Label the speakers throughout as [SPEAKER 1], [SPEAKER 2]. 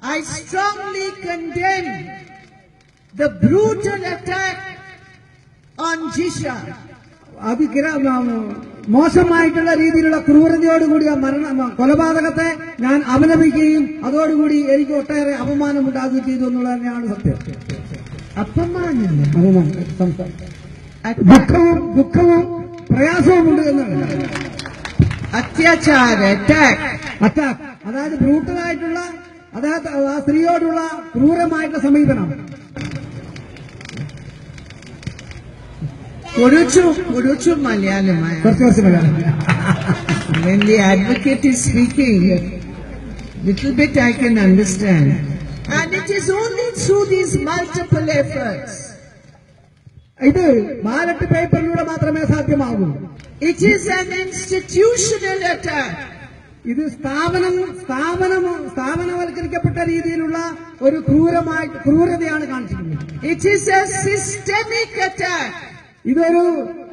[SPEAKER 1] I strongly condemn the brutal attack on Jisha.
[SPEAKER 2] മോശമായിട്ടുള്ള രീതിയിലുള്ള ക്രൂരതയോടുകൂടി ആ കൊലപാതകത്തെ ഞാൻ അപലപിക്കുകയും അതോടുകൂടി എനിക്ക് ഒട്ടേറെ അപമാനം ഉണ്ടാകുകയും ചെയ്തു എന്നുള്ളത് തന്നെയാണ് സത്യം. ദുഃഖവും പ്രയാസവും ഉണ്ട് എന്നാണ്.
[SPEAKER 1] അത്യാചാര
[SPEAKER 2] അറ്റാക്ക് അതായത് ബ്രൂട്ടലായിട്ടുള്ള അതായത് ആ സ്ത്രീയോടുള്ള ക്രൂരമായിട്ടുള്ള സമീപനം.
[SPEAKER 1] കുറച്ചു മലയാളമായ. When the advocate is speaking, little bit I can understand. And it is only through these multiple efforts.
[SPEAKER 2] ഇത് ബാലറ്റ് പേപ്പറിലൂടെ മാത്രമേ സാധ്യമാകൂ.
[SPEAKER 1] It is an institutional attack.
[SPEAKER 2] ഇത് സ്ഥാപനവൽക്കരിക്കപ്പെട്ട രീതിയിലുള്ള ഒരു ക്രൂരതയാണ് കാണിച്ചിരിക്കുന്നത്.
[SPEAKER 1] It is a systemic attack.
[SPEAKER 2] ഇതൊരു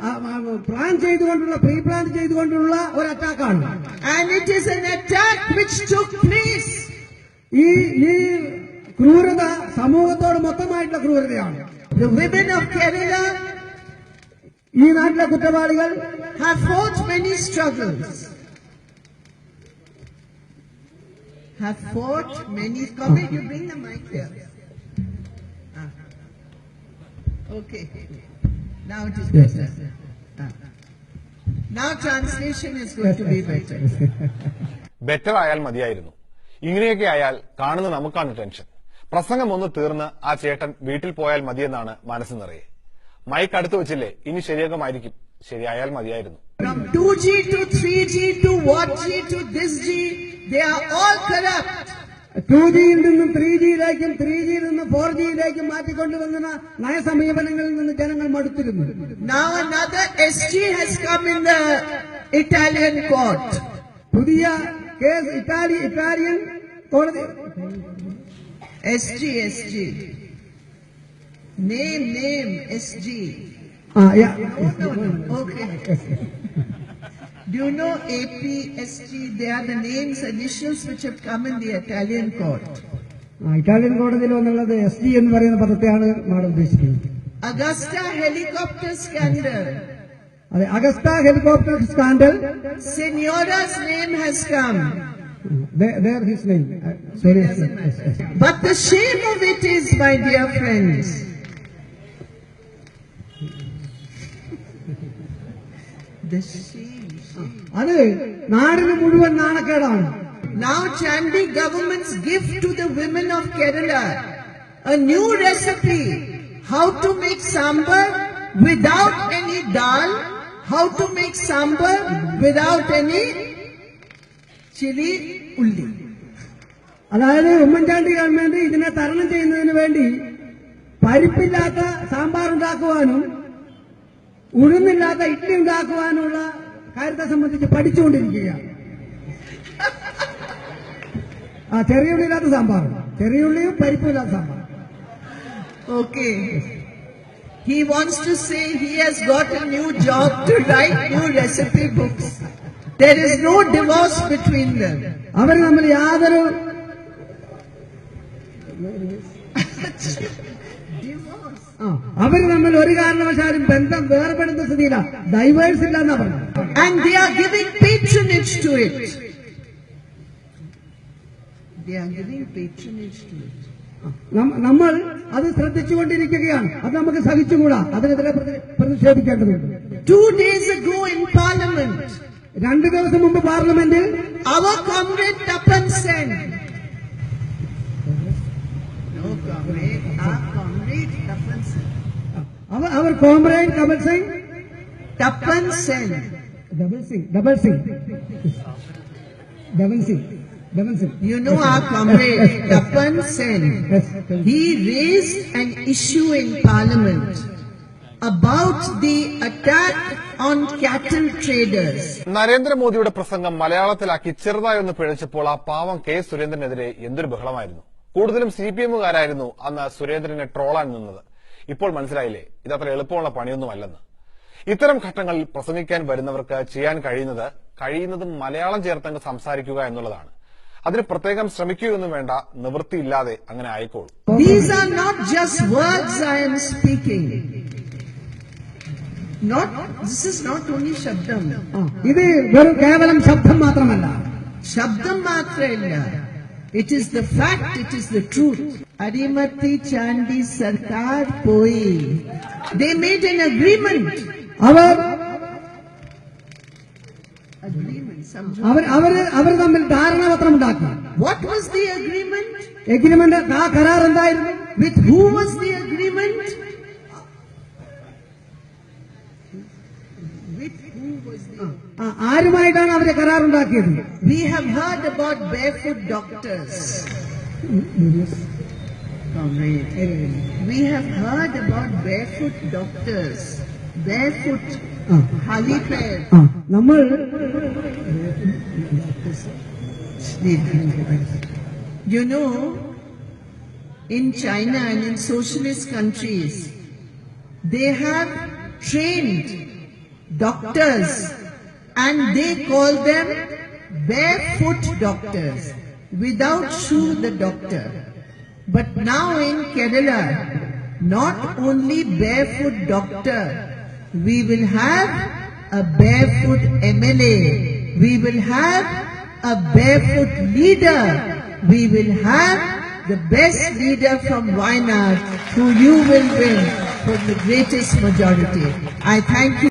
[SPEAKER 2] പ്രീ പ്ലാൻ ചെയ്തുകൊണ്ടുള്ള ഒരു അറ്റാക്കാണ്.
[SPEAKER 1] And it is an attack which took place.
[SPEAKER 2] ഈ ക്രൂരത സമൂഹത്തോട് മൊത്തമായിട്ടുള്ള ക്രൂരതയാണ്.
[SPEAKER 1] The women of Kerala,
[SPEAKER 2] ഈ നാട്ടിലെ കുറ്റവാളികൾ,
[SPEAKER 1] have fought many struggles. Come you bring the mic here. Okay. Now it is better. Now translation is going to be better.
[SPEAKER 3] Better ആയാൽ മതിയായിരുന്നു. ഇങ്ങനെയൊക്കെ ആയാൽ കാണുന്ന നമുക്കാണ് ടെൻഷൻ. പ്രസംഗം ഒന്ന് തീർന്ന് ആ ചേട്ടൻ വീട്ടിൽ പോയാൽ മതിയെന്നാണ് മനസ്സ് നിറയെ. മൈക്ക് അടുത്ത് വെച്ചില്ലേ, ഇനി ശരിയാകുമായിരിക്കും. ശരിയായാൽ മതിയായിരുന്നു.
[SPEAKER 1] From 2G to 3G to what G to this G, they are all corrupt.
[SPEAKER 2] 2Gയിൽ നിന്നും 3Gയിലേക്കും 3Gയിൽ നിന്നും 4Gയിലേക്കും മാറ്റിക്കൊണ്ടുവന്ന നയസമീപനങ്ങളിൽ നിന്ന് ജനങ്ങൾ മടുത്തിരുന്നു.
[SPEAKER 1] Now another SG has come in the Italian court.
[SPEAKER 2] പുതിയ കേസ് ഇറ്റാലിയൻ കോടതി.
[SPEAKER 1] SG. Name, SG.
[SPEAKER 2] Yeah.
[SPEAKER 1] No. Okay. Do you know AP, SG? They are the names, initials which have come in the Italian court.
[SPEAKER 2] Italian കോടതിയിൽ വന്നുള്ളത് SG എന്ന് പറയുന്ന പദത്തെയാണ് madam ഉദ്ദേശിക്കുന്നത്.
[SPEAKER 1] Augusta helicopter scandal.
[SPEAKER 2] അതെ, Augusta helicopter scandal.
[SPEAKER 1] Signora's name has come.
[SPEAKER 2] There his name. Sorry.
[SPEAKER 1] But the shame of it is, my dear friends, the shame.
[SPEAKER 2] അത് നാടിന് മുഴുവൻ നാണക്കേടാണ്.
[SPEAKER 1] Now Chandi government's gift to the women of Kerala, a new recipe, how to make sambar without any dal, how to make sambar without any chili ulli.
[SPEAKER 2] അതായത് Oommen Chandy government ഇതിനെ തരണം ചെയ്യുന്നതിന് വേണ്ടി പരിപ്പില്ലാത്ത സാമ്പാർ ഉണ്ടാക്കുവാനും ഉഴുന്നില്ലാത്ത ഇഡ്ഡലി ഉണ്ടാക്കുവാനുള്ള കാര്യത്തെ സംബന്ധിച്ച് പഠിച്ചുകൊണ്ടിരിക്കുകയാണ്. ചെറിയ ഉള്ളില്ലാത്ത സാമ്പാർ, ചെറിയ ഉള്ളിയും പരിപ്പുമില്ലാത്ത sambar.
[SPEAKER 1] Okay. He wants to say he has got a new job to write new recipe books. There is no divorce between them.
[SPEAKER 2] അവർ നമ്മൾ യാതൊരു അവർ നമ്മൾ ഒരു കാരണവശാലും ബന്ധം വേർപെടുന്ന സ്ഥിതിയിലാണ്. ഡൈവേഴ്സ് ഇല്ല എന്നാ പറഞ്ഞു.
[SPEAKER 1] And they are giving patronage to it.
[SPEAKER 2] നമ്മൾ അത് ശ്രദ്ധിച്ചുകൊണ്ടിരിക്കുകയാണ്. അത് നമുക്ക് സഹിച്ചുകൂടാ. അതിനെതിരെ പ്രതിഷേധിക്കേണ്ടതുണ്ട്.
[SPEAKER 1] 2 days ago in Parliament,
[SPEAKER 2] 2 ദിവസം മുമ്പ് പാർലമെന്റിൽ
[SPEAKER 1] our comrade Tapan Sen,
[SPEAKER 2] our comrade Kamal Singh,
[SPEAKER 1] Tapan Sen,
[SPEAKER 2] Devan Singh.
[SPEAKER 1] You know our comrade Tapan Sen. He raised an issue in Parliament about the attack on cattle traders.
[SPEAKER 3] നരേന്ദ്രമോദിയുടെ പ്രസംഗം മലയാളത്തിലാക്കി ചെറുതായൊന്ന് പിഴച്ചപ്പോൾ ആ പാവം K സുരേന്ദ്രനെതിരെ എന്തൊരു ബഹളമായിരുന്നു. കൂടുതലും CPM-കാരായിരുന്നു അന്ന് സുരേന്ദ്രനെ ട്രോളാൻ നിന്നത്. ഇപ്പോൾ മനസ്സിലായില്ലേ, ഇതത്ര എളുപ്പമുള്ള പണിയൊന്നുമല്ലെന്ന്. ഇത്തരം ഘട്ടങ്ങളിൽ പ്രസംഗിക്കാൻ വരുന്നവർക്ക് ചെയ്യാൻ കഴിയുന്നതും മലയാളം ചേർത്തങ്ങ് സംസാരിക്കുക എന്നുള്ളതാണ്. അതിന് പ്രത്യേകം ശ്രമിക്കുകയൊന്നും വേണ്ട, നിവൃത്തിയില്ലാതെ അങ്ങനെ ആയിക്കോളും.
[SPEAKER 1] These are not just words I am speaking. This is not only Shabdam.
[SPEAKER 2] ഇത് വെറും കേവലം ശബ്ദം മാത്രമല്ല.
[SPEAKER 1] Shabdam മാത്രമല്ല. It is the fact, it is the truth. Arimati Chandi Sarkar Poi. They made an agreement.
[SPEAKER 2] അവർ തമ്മിൽ ധാരണാപത്രം ഉണ്ടാക്കി.
[SPEAKER 1] What was the agreement?
[SPEAKER 2] Agreement, ആ കരാർ എന്തായിരുന്നു?
[SPEAKER 1] With who was the agreement? With who was the
[SPEAKER 2] ആരുമായിട്ടാണ് അവര് കരാറുണ്ടാക്കിയത്?
[SPEAKER 1] We have heard about barefoot doctors. We have heard about barefoot doctors. Barefoot. Hali pair.
[SPEAKER 2] നമ്മൾ
[SPEAKER 1] You know, in China and in socialist countries, they have trained doctors and they call them barefoot doctors, without shoe the doctor. But now in Kerala, not only barefoot doctor, we will have a barefoot MLA, we will have a barefoot leader, we will have the best leader from Wayanad, who you will win for the greatest majority. I thank you.